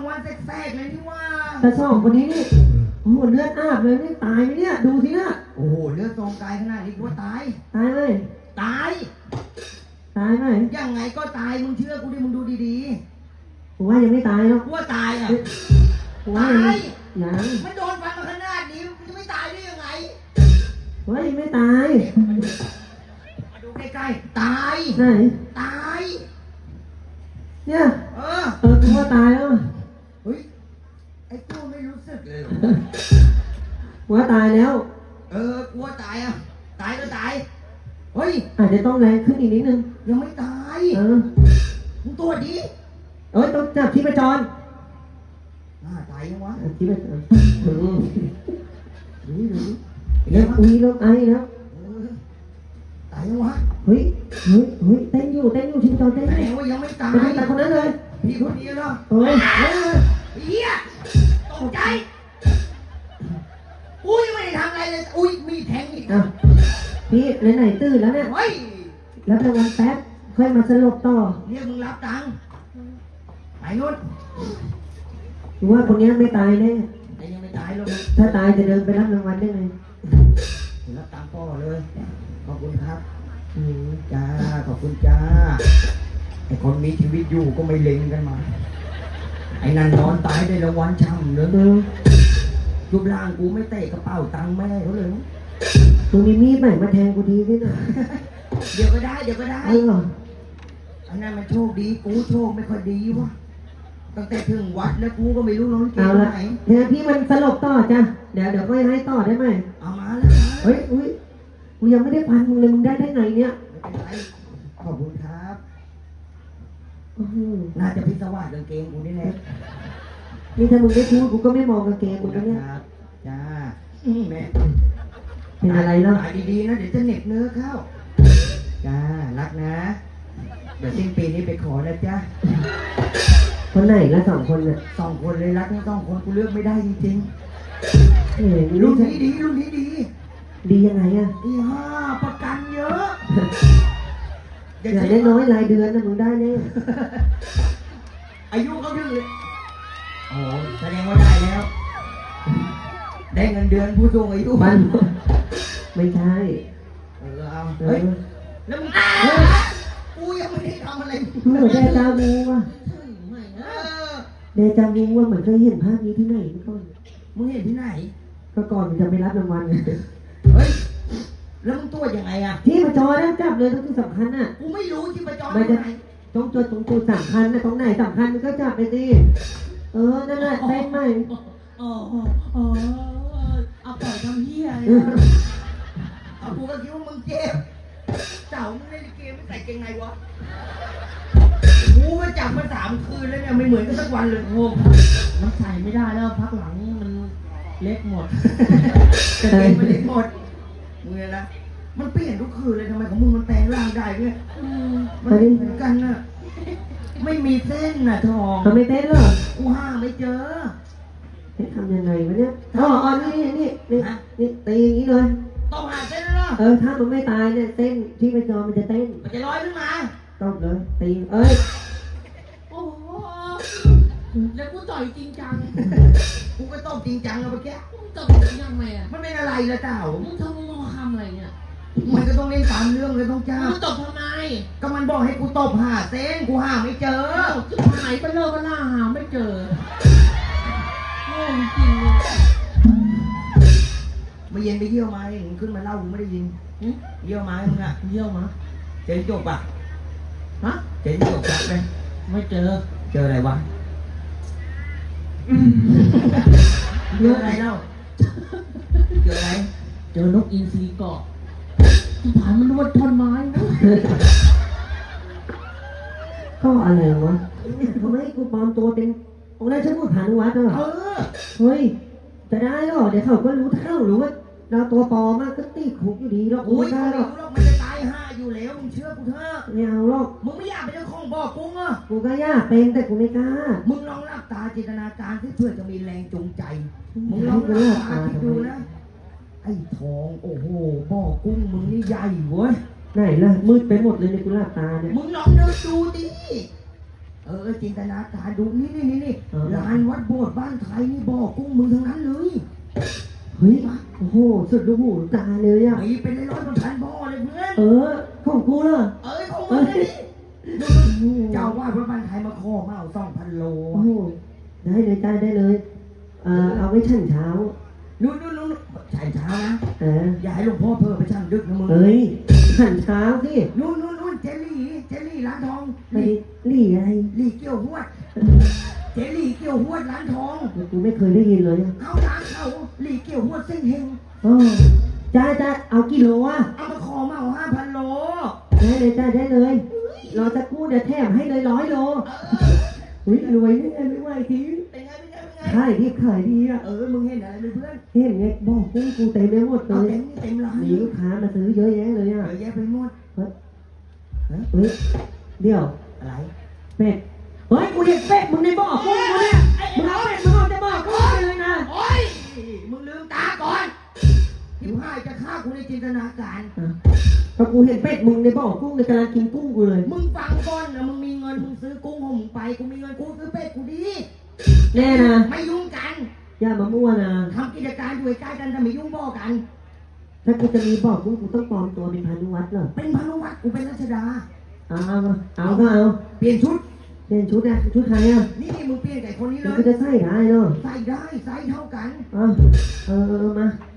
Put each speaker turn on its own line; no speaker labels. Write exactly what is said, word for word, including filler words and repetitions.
วันแทรกๆเลยนี่ว่า
แต่สองคนนี้นี่โอ้โหเลือดอาบเลยนี่ตายไหมเนี่ยดูสินะ
โอ้โหเลือดทรงกายขนาดนี้กูว่าตาย
ตายเลย
ตาย
ตายไหม
ยังไงก็ตายมึงเชื่อกูดิมึงดูดี
ๆผมว่ายังไม่ตายหรอก
กูว่าตายอ่ะ
ตายยัง
มันโดนฟันมาขนาดนี้มันจะไม่ตายได้ยังไง
ผมว่ายังไม่ตาย
มาดูใกล้ๆตาย
ไหน
ตาย
เนี่ย
เออ
เออกูว่าตายแล้ว
เฮ้ยไอ้ตัวไม่รู้สึกเลย
กูว่าตายแล้ว
เออกูว่าตายอ่ะตายก็ตายเฮ้ย
อาจจะต้องแรงขึ้นอีกนิดนึง
ยังไม่ตาย
เออ
มึงตัวดี
เอ้ยต้องจับที่ประจร
น่าตายยังวะ
ที่ประจรอืมนี่ดูเริ่มอุ้ยเริ่มไอแล้ว
ตายยังวะ
เฮ้ยเฮ้ยเฮ้ยเต้นอยู่เต้นอยู่ที่ประจรเต้นอยู่
แต่ว่ายังไม่ตาย
ไม่ตายคนนั้นเลย
พี่คนนี้เหรอ
เฮ้ย
เฮียตกใจอุ้ยไม่ได้ทำอะไรเลยอุ้ยมีแทงอีก
อ่ะพี่ไหนๆตื่นแล้วเนี่ย
เฮ้ย
รับรางวัลแป๊บค่อยมาสลบต่อ
เรียกมึงรับตังค์ไปนู่น
หรือว่าคนนี้ไม่ตายแน่
แต่ยังไม่ตายหรอก
ถ้าตายจะเดินไปรับรางวัลได้ไง
รับตังค์พ่อเลยขอบคุณครับ
อืม
จ้าขอบคุณจ้าไอคนมีชีวิตอยู่ก็ไม่เล็งกันมาไอ้นั่นนอนตายได้รางวัลช่ำเลยรูปร่างกูไม่เตะกระเป๋าตังค์แม่เขาเลย
กูมีมีดใหม่มาแทงกูทีด้วยนะ
เดี๋ยวก็ได้เดี๋ยวก็ได้
เออ
อันนั้นมันโชคดีกูโชคไม่ค่อยดีวะตั้งแต่ถึงวัดแล้วกูก็ไม่รู้น้องเก
ศไหนเดี๋ยวพี่มันสลบต่อจ้ะเดี๋ยวเดี๋ยวก็ให้ต่อได้ไหม
เอามาแล้ว
เฮ้ยอุ้ยกูยังไม่ได้พันมึงเลยมึงได้ได้ไงเนี่ย
ไม่เป็นไรขอบคุณครับน่าจะพิศวาสกางเกงกูนี่แหละ
นี่ถ้ามึงไม่พูดกูก็ไม่มองกางเกงมึงแล้วเนี่ย
จ้าแม่
เป็นอะไรเนาะ
ตายดีๆนะเดี๋ยวจะเหน็บเนื้อเข้าจ้ารักนะเดี๋ยวสิ้นปีนี้ไปขอนะจ้า
คนไหนละสองคนเนี่ย
สองคนเลยรักทั้งสองคนกูเลือกไม่ได้จริงๆรุ่นนี้ดีรุ่นนี้ดี
ดียังไงอ่ะ
ดีห้าประกันเยอะ
อย่าได้น้อยรายเดือนนะมึงได้เนี่ย
อายุเขาถึงเลยโอ้แสดงว่าได้แล้วได้เงินเดือนผู้สูงอายุ
มันไม่ใช่
เออเอาเฮ้ยแล้วมึงกูยังไม่ได้ทำอะไร
เหมือนเดจาวูว่ะเดจาวูว่าเหมือนเคยเห็นภาพนี้ที่ไหนเมื่อก่อน
มึงเห็นที่ไหน
ก็ก่อนมึงจะไปรับรางวัล
เฮ้ยแล้วมึงตัวยังไงอ่ะ
ที่ประจอนะจับเลยต้องที่สำคัญอ่ะ
กูไม่รู้ที่ประจอ
ตรงไหนตรงจุดตรงจุดสำคัญนะตรงไหนสำคัญมึงก็จับไปสิเออนั่นแหละเต้นไหม
อ๋ออ๋อเอาปล่อยทำเหี้ยเอากูก็คิดว่ามึงเจ็บเจ้ามึงเล่นเกมไม่ใส่เกงไงวะกูมาจับมาสามคืนแล้วเนี่ยไม่เหมือนกันสักวันเลยโอ้มันใส่ไม่ได้แล้วพักหลังมันเล็กหมดกางเกงมันเล็กหมดมึงไงนะมันเปลี่ยนทุกคืนเลยทำไมของมึงมันแปลงร่างได้เนี่ยมันเหมือนกันน่ะไม่มีเส้นน่ะทอง
ทำไม่เต้นหรอ
กูห้าไม่เจอ
ทำยังไงวะเนี่ยอ๋ออ๋อนี่นี่นี่นี่ตีอย่างนี้เลย
ต้องหาเส้นแล้ว
เออถ้ามันไม่ตายเนี่ยเต้นที่ประจอมันจะเต้น
มันจะลอยขึ้นมา
ต้องเลยตีเอ้ย
โอ้โหแล้วกูต่อยจริงจังกูก็ต้องจริงจังเอาไปแก้มึงตบจริงจังไหมอ่ะมันเป็นอะไรล่ะเจ้ามึงทำมึงทำอะไรเนี่ยมันก็ต้องเล่นตามเรื่องเลยต้องจ้ามึงตบทำไมก็มันบอกให้กูตบหาเส้นกูหาไม่เจอจุดหายไปเลิกกันล่าหาไม่เจอโง่จริงมาเย็นไปเยี่ยวมาเองขึ้นมาเล่ากูไม่ได้ยินเยี่ยวมามึงอะเยี่ยวมาเจอจบปะฮะเจอจบจับเลยไม่เจอเจออะไรวะเจออะไรเล่าเจออะไรเจอนกอินทรีเกาะผ่านมันนวดท่อนไม้
ก็อะไรวะทำไมกูปลอมตัวเป็นองค์ราชบุตรผานุวัฒน์เหรอเฮ้ยจะได้หรอเดี๋ยวเขาก็รู้เท่าหรือว่าเราตัวปลอมก็ตีคุกอยู่ดีหรอก
โอ้ยไม่รู้หรอกมันจะตายห้าอยู่แล้วมึงเชื่อกูเถอะ
ไม่เอาหรอก
มึงไม่อยากเป็นเจ้าของบ่อกุ้งอ่ะ
กูก็อยากเป็นแต่กูไม่กล้า
มึงลองหลับตาจินตนาการที่เพื่อจะมีแรงจูงใจมึงลองหลับตาคิดดูนะไอ้ทองโอ้โหบ่อกุ้งมึงนี่ใหญ่เว้ย
ไหนล่ะมืดไปหมดเลยในกูหลับตาเนี่ย
มึงลองเดินดูดิเเออจินตนาการดูนี่นี่นี่นี่ลานวัดโบสถ์บ้านไทยนี่บ่อกุ้งมึงทั้งนั้นเลย
เฮ้ยโอ้โหสุดลูกหูตาเลยอ่ะ
ไอ้เป็นร้อยๆพันบ่อเลยเพื่อน
เออของกูเหรอ
เอ้ยของมึงเลยนี่เจ้าว่าพระบ้านไทยมาขอมาเอาสองพันโล
โอ้โหได้เลยจ้าได้เลยเอ่อเอาไว้ชั่นเช้า
นู่นนู่นนู่นใช่เช้านะ
เออ
อย่าให้หลวงพ่อเพิ่มไปช่างดึกนะมึง
เฮ้ยชั่นเช้าสิ
นู่นนู่นนู่นเจลลี่เจลลี่ร้านทอง
ไปนี่อะไร
ลี่เกี่ยวหวดเจลลี่เกี่ยวหวดร้านทอง
กูไม่เคยได้ยินเลย
เอาร้านเขาลี่เกี่ยวหวดเส้นเฮง
โอ้จ้าจ้าเอากี่โลอ่ะ
เอามาขอมาเอาห้าพันโล
ได้เลยจ้าได้เลยรอจะกู้เดี๋ยวแถมให้เลยร้อยโลอุ้ยรวยแน่ไม่ไหวที
เป็นไงเป็นไงเป็นไง
ขายดีขายดีอ่ะ
เออมึงเห็นอะไรไหมเพื่อน
เห็นไงบอกกุ้งกูเต็มไปหมดเล
เอา
ย
เต็มเต็มร้าน
มีลูกค้ามาซื้อเยอะแยะเลย
เย
อ่ะ
อะแยะไปหมด
เฮ้ยเฮ้ยเดี๋ยว
อะไร
เป็ดเฮ้ยกูเห็นเป็ดมึงในบ่อกุ้งกูเนี่ยมึงเอาเป็ดมึงเอาแต่บ่อกุ้งไปเลยนะ
โอ้ยมึงลืมตาก่อนที่พายจะฆ่ากูในจินตนาการ
ก็กูเห็นเป็ดมึงในบ่อกุ้งในกำลังกินกุ้งกูเลย
มึงฟังก่อนนะมึงมีเงินมึงซื้อกุ้งของมึงไปกูมีเงินกูซื้อเป็ดกูดี
แน่นะ
ไม่ยุ่งกัน
อย่ามามั่วนะ
ทำกิจการอยู่ใกล้กันแต่ไม่ยุ่งบ่อกัน
ถ้ากูจะมีบ่อกุ้งกูต้องปลอมตัวเป็นพานุวัฒน์เหรอ
เป็นพานุวัฒน์กูเป็นรัชดา
เอาเอาเอาก็เอา
เปลี่ยนชุด
เปลี่ยนชุดอะชุดใครอะ
นี่นี่มึงเปลี่ยนกับคนนี้เล
มัน
ย
ก็จะใส่ได้เนาะ
ใส่ได้ไซส์เท่ากัน
เอาเออเออมา